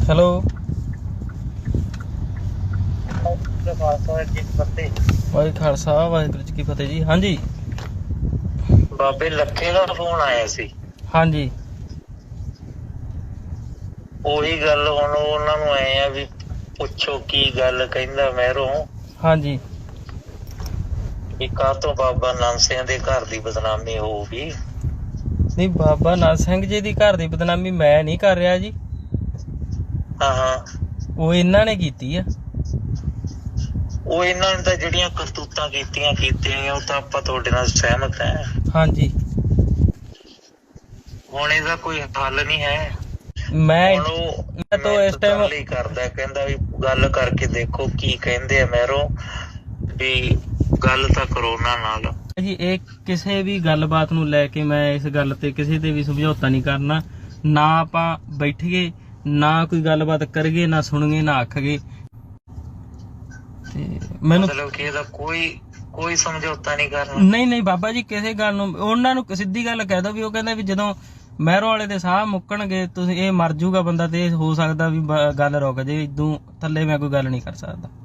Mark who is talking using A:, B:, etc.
A: Hello ਵਾਹਿ Khalsa Waheguru ਜੀ ਕੀ ਫਤਿਹ ਜੀ। ਹਾਂਜੀ
B: ਬਾਬੇ ਲੱਖੇ ਦਾ ਫੋਨ ਆਇਆ ਸੀ।
A: ਹਾਂਜੀ
B: ਉਹੀ ਗੱਲ ਹੁਣ ਉਹਨਾਂ ਨੂੰ ਆਏ ਆ ਵੀ ਪੁੱਛੋ ਕੀ ਗੱਲ ਕਹਿੰਦਾ ਮਹਿਰੋਂ
A: ਹਾਂਜੀ
B: ਵੀ ਕਾਹਤੋਂ ਬਾਬਾ ਨਾਨਕ ਸਿੰਘ ਦੇ ਘਰ ਦੀ ਬਦਨਾਮੀ ਹੋਊਗੀ।
A: ਨਹੀਂ ਬਾਬਾ ਨਾਨਕ ਸਿੰਘ ਜੀ ਦੀ ਘਰ ਦੀ ਬਦਨਾਮੀ ਮੈਂ ਨਹੀਂ ਕਰ ਰਿਹਾ ਜੀ।
B: ਹਾਂ
A: ਉਹ ਇਹਨਾਂ ਨੇ ਕੀਤੀ ਆ।
B: ਉਹ ਇਹਨਾਂ ਨੇ ਤਾਂ ਜਿਹੜੀਆਂ ਕਰਤੂਤਾਂ ਕੀਤੀਆਂ ਉਹ ਤਾਂ ਆਪਾਂ ਤੁਹਾਡੇ ਨਾਲ ਸਹਿਮਤ ਹੈ।
A: ਹਾਂਜੀ
B: ਹੁਣ ਇਹਦਾ ਕੋਈ ਹੱਲ ਨਹੀਂ ਹੈ।
A: ਮੈਂ
B: ਤਾਂ ਇਸ ਟਾਈਮ ਲਈ ਕਰਦਾ ਕਹਿੰਦਾ ਵੀ ਗੱਲ ਕਰਕੇ ਦੇਖੋ ਕੀ ਕਹਿੰਦੇ ਆ ਮਹਿਰੋਂ ਵੀ ਗੱਲ ਤਾਂ ਕਰੋ ਉਹਨਾਂ ਨਾਲ
A: ਜੀ। ਇਹ ਕਿਸੇ ਵੀ ਗੱਲਬਾਤ ਨੂੰ ਲੈ ਕੇ ਮੈਂ ਇਸ ਗੱਲ ਤੇ ਕਿਸੇ ਤੇ ਵੀ ਸਮਝੌਤਾ ਨਹੀਂ ਕਰਨਾ। ਨਾ ਆਪਾਂ ਬੈਠੀਏ ਨਾ ਕੋਈ ਗੱਲਬਾਤ ਕਰੀਏ ਨਾ ਸੁਣੀਏ ਨਾ ਆਖੀਏ। ਤੇ ਮੈਨੂੰ
B: ਮਤਲਬ ਕਿ ਇਹਦਾ ਕੋਈ ਸਮਝੌਤਾ ਨਹੀਂ ਕਰਨਾ।
A: ਨਹੀਂ ਬਾਬਾ ਜੀ ਕਿਸੇ ਗੱਲ ਨੂੰ ਉਹਨਾਂ ਨੂੰ ਸਿੱਧੀ ਗੱਲ ਕਹਿ ਦੋ ਵੀ ਉਹ ਕਹਿੰਦਾ ਵੀ ਜਦੋਂ ਮਹਿਰੋਂ ਵਾਲੇ ਦੇ ਸਾਹ ਮੁੱਕਣਗੇ ਤੁਸੀਂ ਇਹ ਮਰ ਜੂਗਾ ਬੰਦਾ ਤੇ ਹੋ ਸਕਦਾ ਵੀ ਗੱਲ ਰੁਕ ਜੇ। ਇਦੋਂ ਥੱਲੇ ਮੈਂ ਕੋਈ ਗੱਲ ਨਹੀਂ ਕਰ ਸਕਦਾ।